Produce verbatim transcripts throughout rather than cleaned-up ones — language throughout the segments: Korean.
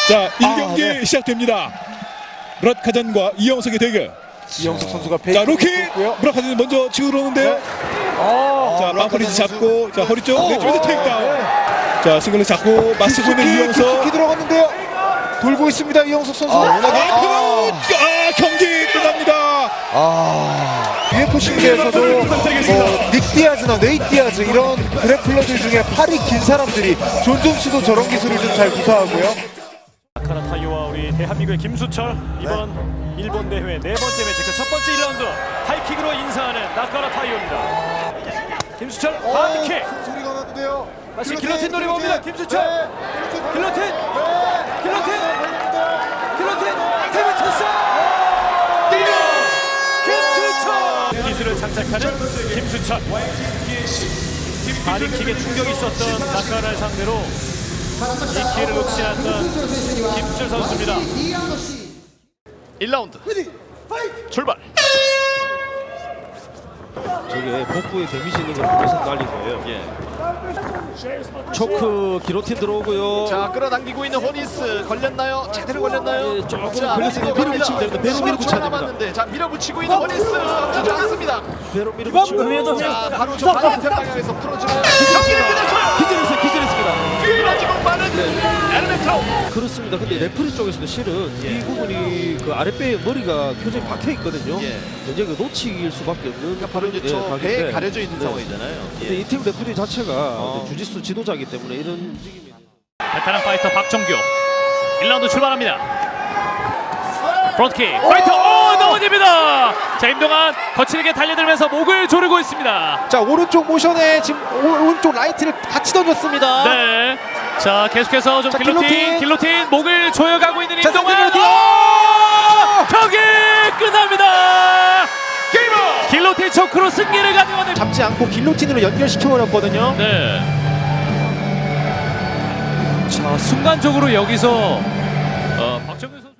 자, 일 경기 아, 네. 시작됩니다. 무라카잔과 이영석의 대결. 이영석 선수가 자, 로키! 있고요. 무라카잔이 먼저 치고 들어오는데요. 네. 아, 자, 빵프리즈 잡고, 자, 허리 쪽, 오, 내쪽에서 오, 테이크다운. 네. 자, 승글을 잡고 맞서고 있는 깊숙이, 이영석. 깊숙이 들어갔는데요. 돌고 있습니다, 이영석 선수. 아, 아, 그대로, 아, 경기 끝납니다. 아, 유에프씨에서도 뭐, 닉 디아즈나 네이 디아즈 이런 그래플러들 중에 팔이 긴 사람들이 존 존스도 저런 기술을 좀 잘 구사하고요. 나카라 타이오와 우리 대한민국의 김수철 이번 네. 일본 대회 네 번째 매치 그 첫 번째 일 라운드 하이킥으로 인사하는 나카라 타이오입니다. 김수철 바디킥 소리가 나는데요. 다시 길로틴 노리고 옵니다. 김수철 네. 길로틴 네. 길로틴 길로틴 테이블 찬스 김수철 기술을 장착하는 김수철 바디킥에 충격이 있었던 나카라를 상대로 이 기회를 놓치지 않았던 김수철 선수입니다. 일 라운드 출발. 저게 복부에 데미지 있는 걸 보면서 날린 거예요. 예. 초크 기로틴 들어오고요. 자 끌어당기고 있는 호니스 걸렸나요? 제대로 걸렸나요? 예, 조금 자, 걸렸으니 호니스가 밀어붙이면 됩니다. 배로 십 초 밀어붙여야 됩니다. 남았는데 자 밀어붙이고 있는 호니스 싸우지 않습니다. 배로 밀어붙이고. 자 바로 저 반대편 방향에서 풀어주는 경기를 끝냈어요. 기절했어요. 기절했습니다. 뛰어지고 빠른 엘리멘트로. 그렇습니다. 근데 레프리 쪽에서도 실은 이 부분이 그 아랫배에 머리가 표정이 박혀 있거든요. 예. 굉장히 그 놓치길 수밖에 없는 그러니까 바로 이제 예, 저 각인데. 배에 가려져 있는 네. 상황이잖아요. 근데 예. 이 팀 레프리 자체가 어. 주짓수 지도자이기 때문에 이런 움직임이. 베테랑 파이터 박정규 일 라운드 출발합니다. 프론트킥 파이터 오 넘어집니다. 자 임동환 거칠게 달려들면서 목을 조르고 있습니다. 자, 오른쪽 모션에 지금 오, 오른쪽 라이트를 같이 던졌습니다. 네. 자 계속해서 좀 자, 길로틴 길로틴. 길로틴 목을 조여가고 있는 자, 임동환. 길로틴. 오! 경기 끝납니다. 게이머 길로틴 초크로 승리를 가져가는. 잡지 않고 길로틴으로 연결시켜버렸거든요. 네. 자 순간적으로 여기서 어, 박정규 선수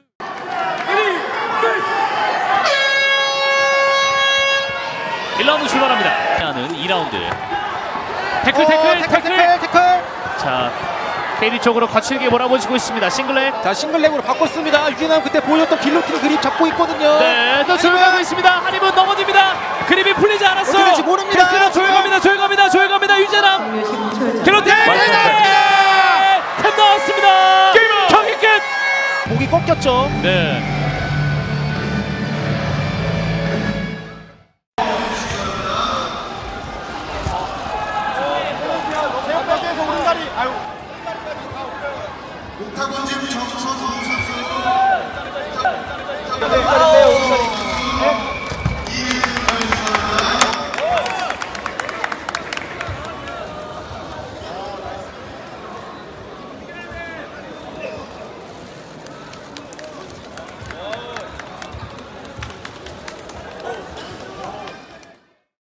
일 라운드 출발합니다. 하는 이 라운드 태클 태클 어, 태클, 태클, 태클. 자 케이리 쪽으로 거칠게 몰아붙이고 있습니다. 싱글렉. 자, 싱글렉으로 바꿨습니다. 유진남 그때 보여줬던 길로틴 그립 잡고 있거든요. 네, 또 조용하고 있습니다. 한입은 넘어집니다. 그립이 풀리지 않았어요. 어떻게 될지 모릅니다. 계속해서 조용합니다. 조용합니다. 조용합니다. 유재남. 길로틴. 템 나왔습니다. 경기 끝. 목이 꺾였죠. 네. 옥타곤 지금 정선수 선수